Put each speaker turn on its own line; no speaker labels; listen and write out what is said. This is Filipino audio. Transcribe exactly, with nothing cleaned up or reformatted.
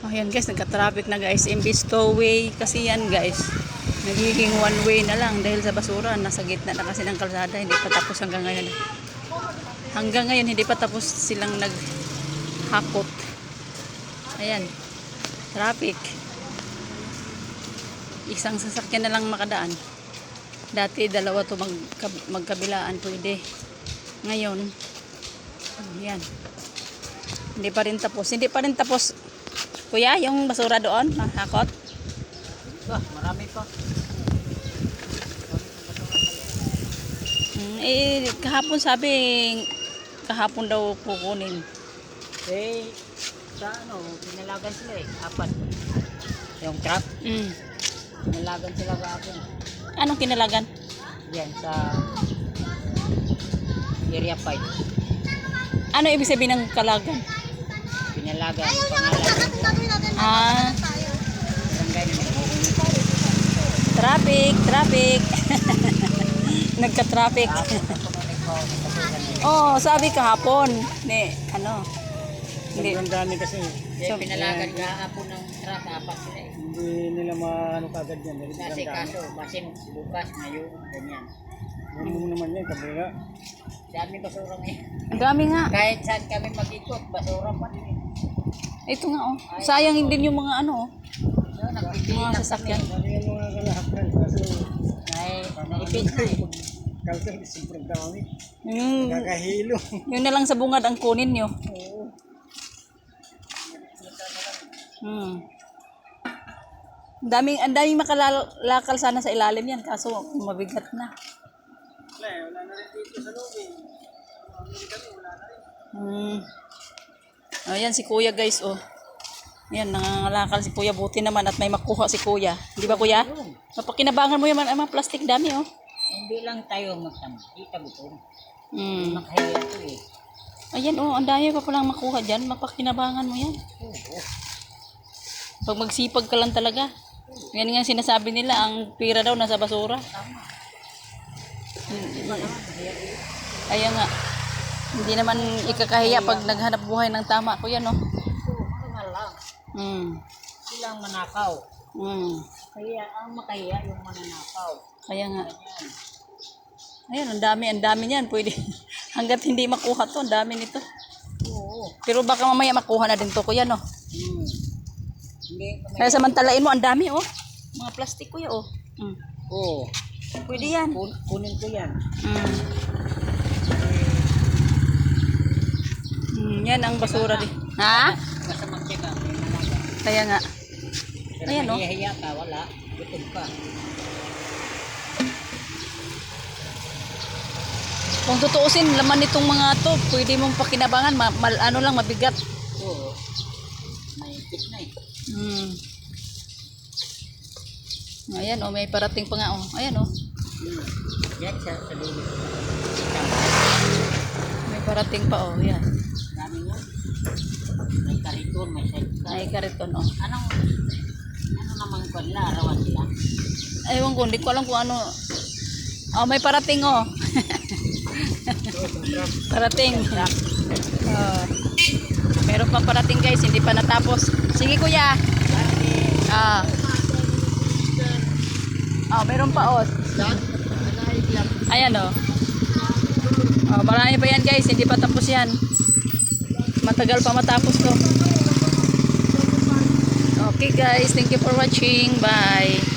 Oh, yan guys, nagka-traffic na guys. Imbis two way kasi yan guys. Nagiging one way na lang dahil sa basura. Nasa gitna na kasi ng kalsada. Hindi pa tapos hanggang ngayon. Hanggang ngayon, hindi pa tapos silang naghakot. Ayan. Traffic. Isang sasakyan na lang makadaan. Dati dalawa to mag, magkabilaan pwede. Ngayon, ayan. Hindi pa rin tapos. Hindi pa rin tapos. Kuya, yung basura doon, hakot.
Ah, marami pa.
Hmm, eh, kahapon sabi, kahapon daw kukunin.
Eh, sa ano, pinalagan sila eh, apat. Yung truck,
Mm.
pinalagan sila kahapon.
Anong kinalagan?
Yan, sa area five.
Ano ibig sabihin ng kalagan?
Pinalagan, pangalan.
Ah,
Barangay na
traffic, traffic. Nagka-traffic. Oh, sabi kahapon, ni ano? Hindi.
Ang dami kasi.
Eh, pinalagan kahapon ng truck, apat sila eh.
Hindi nila maano kagad yan.
Kasi kaso, basin bukas, ngayon, ganyan.
Ano naman yan, kabila.
Dami basura ngayon.
Ang dami nga.
Kahit saan kami mag-ikot, basura pa rin.
Ito nga oh. Sayang din yung mga ano oh.
No, nagpipili
Mga
lang
sasakyan.
kami.
Dami yung mga kalahakal. Kaso,
Ay, naipit na eh.
kalso, sobrang dami.
Yung,
Kakahilo.
yun na lang sa bungad ang kunin nyo.
Oo.
Hmm. Ang daming, ang daming makalalakal sana sa ilalim yan. Kaso mabigat na.
Wala eh, wala na rin dito sa loob eh. Wala na rin.
Hmm. Ayan si kuya guys oh. Ayan, nangangalakal si kuya. Buti naman at may makuha si kuya. Di ba kuya? Mapakinabangan mo yung mga, mga plastic dami oh.
Hindi lang tayo magtampi, tagutom.
Hmm.
Makahiya ito eh.
Ayan oh, ang dami pa palang makuha dyan. Mapakinabangan mo yan.
Oo.
Pag magsipag ka lang talaga. Yan nga sinasabi nila, ang pira daw nasa basura.
Tama.
Kaya nga, hindi naman ikakahiya pag naghanap buhay ng tama. Kuya no?
Oo, mga lang.
Hmm.
Silang manakaw.
Hmm.
Kaya ang makahiya yung mananakaw.
Kaya nga.
Ganyan.
Ayan, ang dami, ang dami niyan. Pwede, hanggat hindi makuha to, ang dami nito.
Oo.
Pero baka mamaya makuha na din to, kuya, no?
Hmm. Hindi kami.
Kaya samantalain mo, ang dami, oh. Mga plastic, kuya, oh. Hmm.
Oo.
Pwede yan.
Kun kunin ko yan.
Hmm. Hmm, yan ang basura din. Ha?
Basta magtyaga, may malaga.
Kaya nga.
Pero
Ayan, no?
mahihiya ka, wala. Gutom ka.
Kung tutuusin, laman nitong mga to, pwede mong pakinabangan, ma mal ano lang, mabigat.
Oo. May pit na eh.
Hmm. Ayan, oh, may parating pa nga, oh. Ayan, oh.
Hmm. Yan sa sa dulo.
May parating pa, oh. Yan.
Dami nga. May kariton, may sidecar.
May kariton, oh.
Anong, ano naman ko nila, arawan sila?
Ewan ko, hindi ko alam kung ano. Oh, may parating, oh. Parating. Oh. Meron pa parating, guys. Hindi pa natapos. Sige, kuya. Ah. Oh, meron pa, oh. Ayan, oh. Oh, marami pa yan, guys. Hindi pa tapos yan. Matagal pa matapos to. Okay, guys. Thank you for watching. Bye.